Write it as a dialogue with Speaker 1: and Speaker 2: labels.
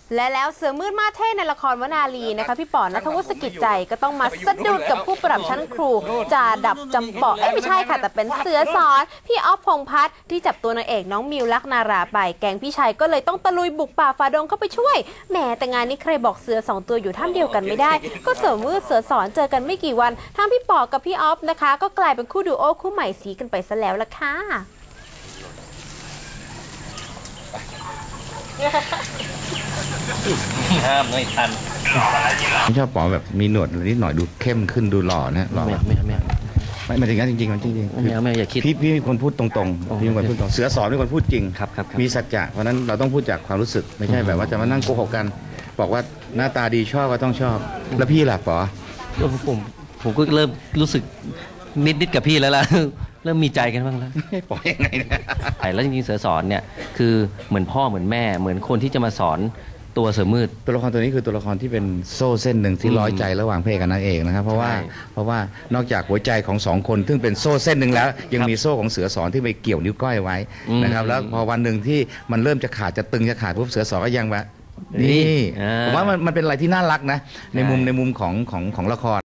Speaker 1: และแล้วเสือมืดมาเท่ในละครวนาลีนะคะพี่ป๋อณัฐวุฒิ สกิจใจก็ต้องมาสะดุดกับผู้ปรับชั้นครูจ่าดับจำปาไม่ใช่ค่ะแต่เป็นเสือสอนพี่อ๊อฟพงษ์พัฒน์ที่จับตัวนางเอกน้องมิวลักนาราไปแก๊งพี่ชัยก็เลยต้องตะลุยบุกป่าฝ่าดงเข้าไปช่วยแหมแต่งานนี้ใครบอกเสือ2ตัวอยู่ถ้ำเดียวกันไม่ได้ก็เสือมืดเสือสอนเจอกันไม่กี่วันทั้งพี่ป๋อกับพี่อ๊อฟนะคะก็กลายเป็นคู่ดูโอคู่ใหม่สีกันไปซะแล้วล่ะค่ะ
Speaker 2: ห้ามไม่ทัน
Speaker 3: ไม่ชอบป๋อแบบมีหนวดนิดหน่อยดูเข้มขึ้นดูหล่อนะหล่อไม่ถึงงั้นจริงๆมันจริงๆ
Speaker 2: ไม่อย่าคิด
Speaker 3: พี่เป็นคนพูดตรงๆพี่เป็นคนพูดตรงเสือสอนเป็นคนพูดจริง
Speaker 2: ครับ
Speaker 3: มีสัจจะเพราะนั้นเราต้องพูดจากความรู้สึกไม่ใช่แบบว่าจะมานั่งโกหกกันบอกว่าหน้าตาดีชอบก็ต้องชอบแล้วพี่ล่ะป๋อ
Speaker 2: ผมก็เริ่มรู้สึกนิดกับพี่แล้วล่ะเริ่มมีใจกันบ้างแล้ว
Speaker 3: ป๋อยังไงเนี่ย
Speaker 2: แล้วจริงๆเสือสอนเนี่ยคือเหมือนพ่อเหมือนแม่เหมือนคนที่จะมาสอนตัวเสือมืด
Speaker 3: ตัวละครตัวนี้คือตัวละครที่เป็นโซ่เส้นหนึ่งที่ร้อยใจระหว่างพระเอกกับนางเอกนะครับเพราะว่านอกจากหัวใจของสองคนซึ่งเป็นโซ่เส้นหนึ่งแล้วยังมีโซ่ของเสือสอนที่ไปเกี่ยวนิ้วก้อยไว้นะครับแล้วพอวันหนึ่งที่มันเริ่มจะขาดจะตึงจะขาดปุ๊บเสือสอนก็ยังว่านี่ผมว่ามันเป็นอะไรที่น่ารักนะในมุมของละคร